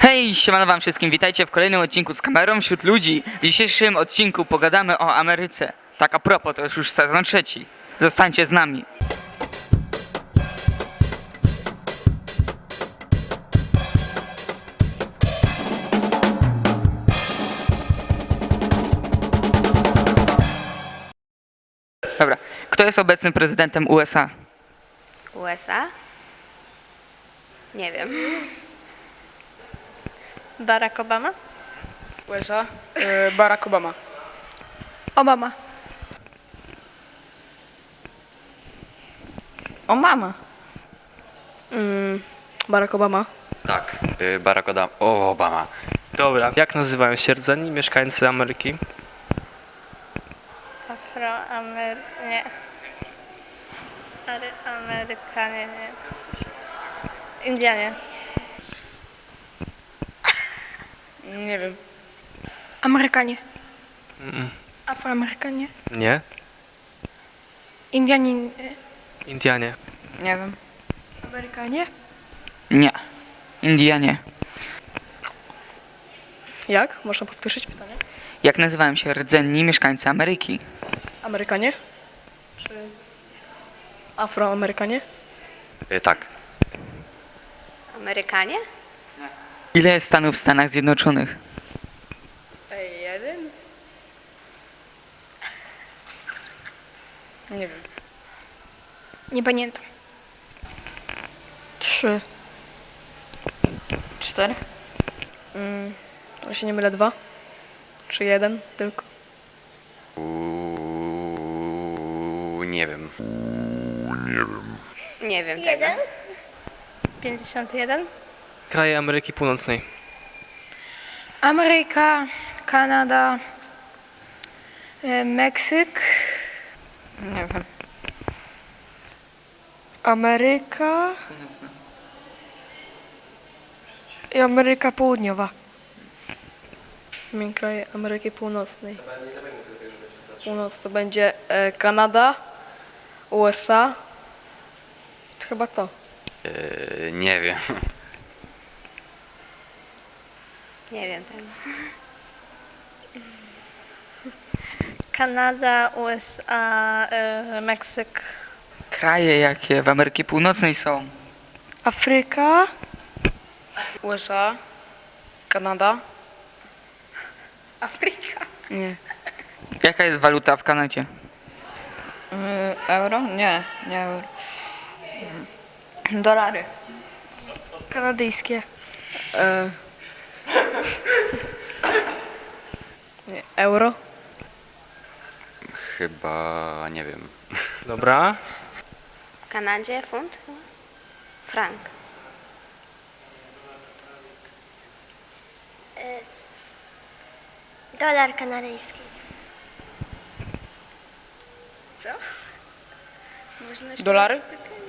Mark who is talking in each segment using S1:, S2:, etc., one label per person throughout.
S1: Hej, siemano wam wszystkim, witajcie w kolejnym odcinku z kamerą wśród ludzi. W dzisiejszym odcinku pogadamy o Ameryce. Tak a propos, to jest już sezon trzeci. Zostańcie z nami. Dobra, kto jest obecnym prezydentem USA?
S2: USA? Nie wiem.
S3: Barack Obama?
S4: USA, Barack Obama.
S3: Obama.
S2: Obama.
S4: Barack Obama.
S5: Tak, Obama.
S6: Dobra, jak nazywają się rdzenni mieszkańcy Ameryki?
S3: Nie. Amerykanie, nie. Indianie.
S4: Nie wiem.
S3: Amerykanie. Afroamerykanie.
S6: Nie?
S3: Indianie.
S6: Indianie.
S2: Nie wiem.
S3: Amerykanie?
S1: Nie. Indianie.
S4: Jak? Można powtórzyć pytanie?
S1: Jak nazywają się rdzenni mieszkańcy Ameryki?
S4: Amerykanie? Czy Afroamerykanie?
S5: Tak,
S2: Amerykanie?
S1: Ile jest stanów w Stanach Zjednoczonych?
S4: Jeden? Nie wiem.
S3: Nie pamiętam.
S4: 3.
S2: 4?
S4: To się nie mylę, 2? Czy 1 tylko?
S5: nie wiem.
S2: Nie wiem tego.
S3: 51?
S6: Kraje Ameryki Północnej.
S3: Ameryka, Kanada, Meksyk.
S2: Nie wiem.
S7: Ameryka i Ameryka Południowa.
S4: Kraje Ameryki Północnej. Północ to będzie Kanada, USA. Chyba to.
S5: Nie wiem.
S2: Nie wiem tego.
S3: Kanada, USA, Meksyk.
S1: Kraje jakie w Ameryce Północnej są?
S7: Afryka,
S4: USA, Kanada.
S2: Afryka.
S4: Nie.
S1: Jaka jest waluta w Kanadzie?
S2: Euro? Nie euro. Dolary.
S7: kanadyjskie.
S4: Nie. Euro.
S5: Chyba nie wiem.
S6: Dobra.
S2: W Kanadzie funt? Frank.
S8: Dolar kanadyjski.
S4: Dolary?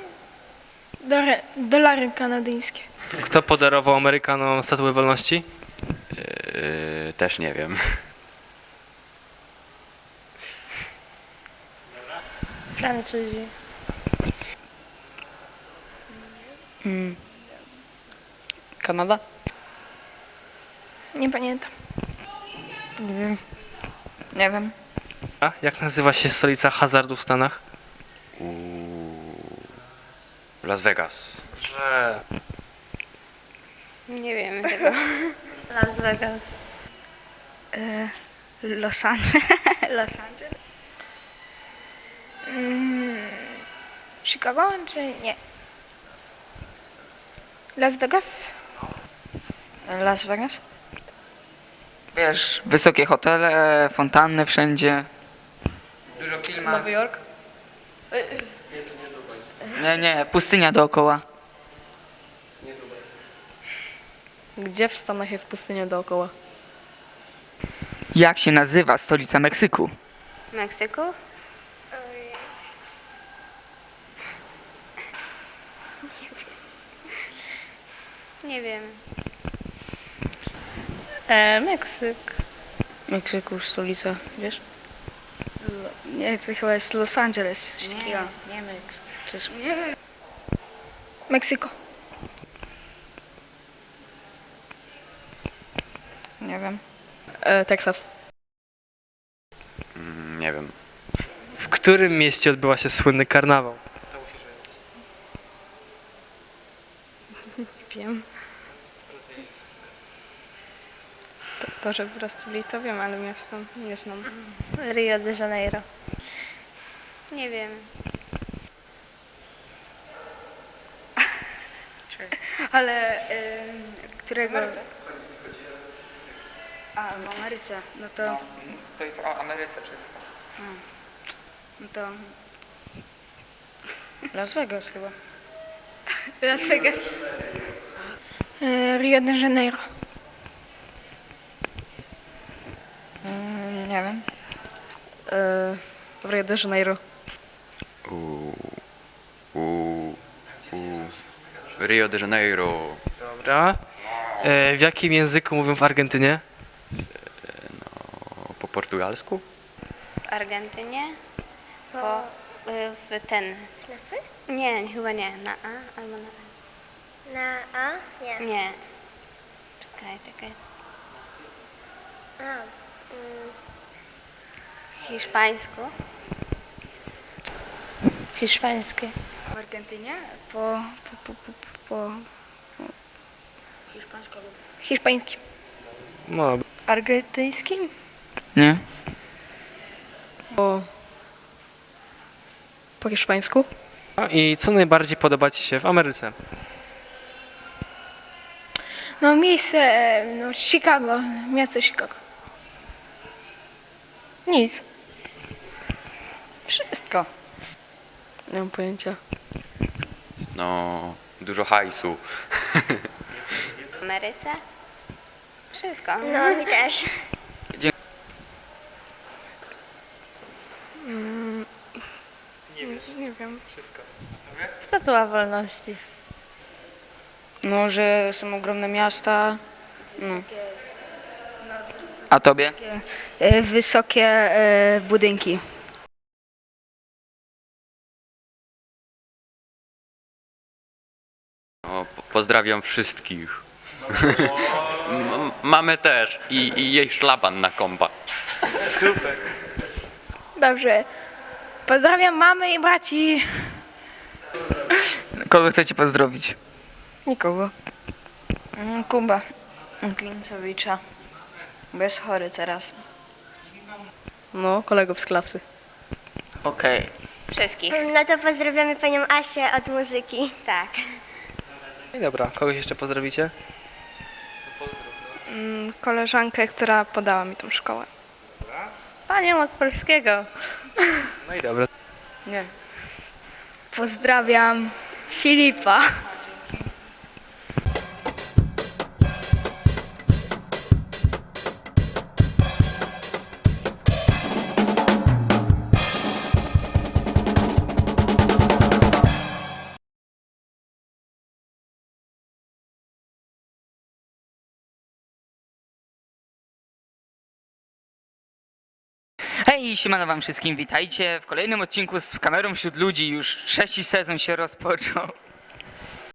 S3: Dolary kanadyjskie.
S6: Kto podarował Amerykanom Statuę Wolności?
S5: Też nie wiem.
S3: Francuzi.
S4: Kanada?
S3: Nie pamiętam.
S2: Nie wiem.
S6: A jak nazywa się stolica hazardu w Stanach?
S5: Las Vegas.
S6: Że...
S2: Nie wiem tego.
S3: Las Vegas.
S8: Los Angeles. Los Angeles.
S3: Chicago czy nie? Las Vegas?
S2: Las Vegas?
S1: Wiesz, wysokie hotele, fontanny wszędzie. Dużo filmów.
S4: Nowy Jork?
S1: Nie, pustynia dookoła.
S4: Gdzie w Stanach jest pustynia dookoła?
S1: Jak się nazywa stolica Meksyku?
S2: Meksyku? Nie wiem.
S3: Meksyk.
S7: Meksyku, stolica, wiesz? Nie, to chyba jest Los Angeles. Coś takiego.
S2: Nie Meksyk.
S3: Meksyko.
S7: Nie wiem.
S4: Teksas.
S5: Nie wiem.
S6: W którym mieście odbyła się słynny karnawał?
S4: Wiem. To, że w Brazylii to wiem, ale miasto nie znam.
S3: Rio de Janeiro.
S2: Nie wiem.
S7: Ale którego... A, w Ameryce. No to...
S1: To jest o Ameryce wszystko.
S7: No to... Las Vegas chyba.
S2: Las Vegas.
S3: Rio de Janeiro.
S7: Nie wiem.
S4: W Rio de Janeiro.
S5: U, u, u. Rio de Janeiro.
S6: Dobra. W jakim języku mówią w Argentynie?
S5: Po portugalsku?
S2: W Argentynie? W ten.
S8: Ślepy?
S2: Nie, chyba nie. Na A albo na A.
S8: Na A? Nie.
S2: Nie. Czekaj.
S8: A.
S2: W hiszpańsku?
S3: Hiszpańskie.
S7: W Argentynie? Po...
S3: Hiszpański.
S6: No,
S4: Argentyńskim?
S1: Nie?
S4: Po hiszpańsku?
S6: I co najbardziej podoba Ci się w Ameryce?
S3: No miejsce, no Chicago, miasto Chicago.
S4: Nic.
S7: Wszystko.
S4: Nie mam pojęcia.
S5: No, dużo hajsu.
S2: W Ameryce? Wszystko.
S8: No, mi też.
S4: Nie wiem.
S3: Statua Wolności.
S7: No, że są ogromne miasta. No.
S1: A tobie?
S7: Wysokie budynki.
S5: No, pozdrawiam wszystkich. Mamy też i jej szlaban na kompa.
S3: Dobrze. Pozdrawiam mamy i braci.
S1: Kogo chcecie pozdrowić?
S4: Nikogo.
S7: Kuba Klincowicza. Bo jest chory teraz.
S4: No, kolegów z klasy.
S1: Okej.
S2: Wszystkich.
S8: No to pozdrawiamy panią Asię od muzyki.
S2: Tak.
S6: No i dobra, kogoś jeszcze pozdrowicie?
S4: Koleżankę, która podała mi tą szkołę.
S3: Panią od polskiego.
S6: No i dobra.
S7: Nie.
S3: Pozdrawiam Filipa.
S1: Hej, siemano wam wszystkim, witajcie w kolejnym odcinku z kamerą wśród ludzi. Już trzeci sezon się rozpoczął.